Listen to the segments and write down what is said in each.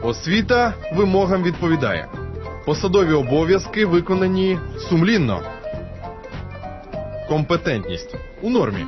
Освіта вимогам відповідає. Посадові обов'язки виконані сумлінно. Компетентність у нормі.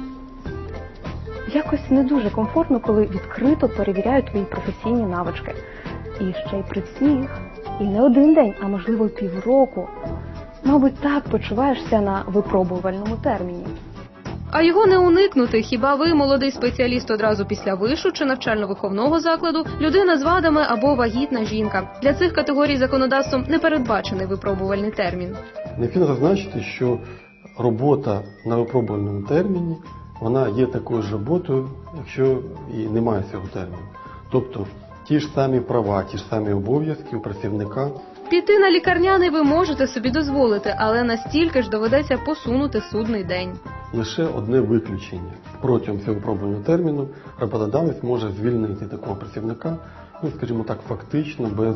Якось не дуже комфортно, коли відкрито перевіряють твої професійні навички. І ще й при всіх. І не один день, а можливо півроку. Мабуть, так почуваєшся на випробувальному терміні. А його не уникнути. Хіба ви, молодий спеціаліст одразу після вишу чи навчально-виховного закладу, людина з вадами або вагітна жінка. Для цих категорій законодавством не передбачений випробувальний термін. Необхідно зазначити, що робота на випробувальному терміні, вона є такою ж роботою, якщо і немає цього терміну. Тобто ті ж самі права, ті ж самі обов'язки у працівника. Піти на лікарняний ви можете собі дозволити, але настільки ж доведеться посунути судний день. Лише одне виключення. Протягом цього випробувального терміну роботодавець може звільнити такого працівника, скажімо так, фактично, без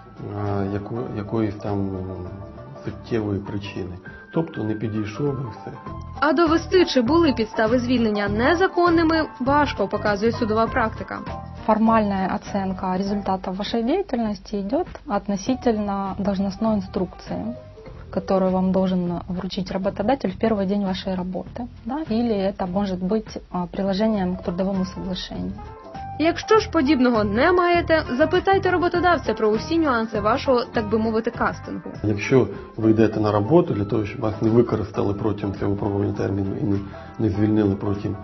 якоїсь там суттєвої причини. Тобто не підійшов і все. А довести, чи були підстави звільнення незаконними, важко, показує судова практика. Формальная оценка результатов вашей деятельности идет относительно должностной инструкции, которую вам должен вручить работодатель в первый день вашей работы. Да? Или это может быть приложением к трудовому соглашению. Якщо ж подібного не маєте, запитайте роботодавця про усі нюанси вашого, так би мовити, кастингу. Якщо ви йдете на роботу для того, щоб вас не використали протягом цього випробувального терміну і не звільнили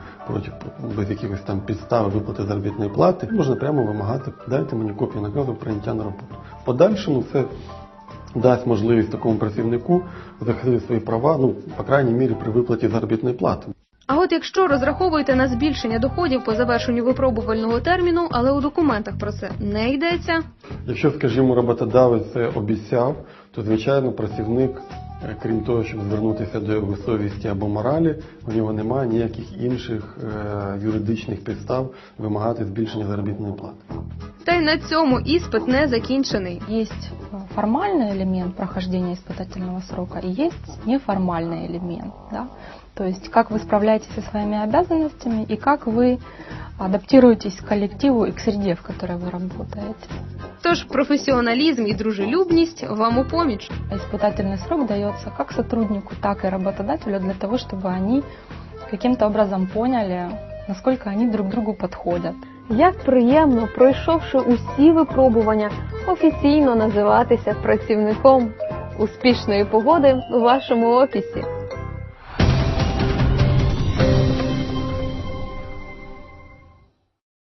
без якихось там підстав виплати заробітної плати, можна прямо вимагати, дайте мені копію наказу прийняття на роботу. В подальшому це дасть можливість такому працівнику захистити свої права, по крайній мірі, при виплаті заробітної плати. А от якщо розраховуєте на збільшення доходів по завершенню випробувального терміну, але у документах про це не йдеться? Якщо, скажімо, роботодавець це обіцяв, то, звичайно, працівник, крім того, щоб звернутися до його совісті або моралі, у нього немає ніяких інших юридичних підстав вимагати збільшення заробітної плати. Та й на цьому іспит не закінчений. Есть формальный элемент прохождения испытательного срока и есть неформальный элемент. Да? То есть как вы справляетесь со своими обязанностями и как вы адаптируетесь к коллективу и к среде, в которой вы работаете. Тож професіоналізм і дружелюбність вам у поміч. Испытательный срок дается как сотруднику, так и работодателю для того, чтобы они каким-то образом поняли, насколько они друг другу подходят. Як приємно, пройшовши усі випробування, офіційно називатися працівником успішної погоди у вашому офісі.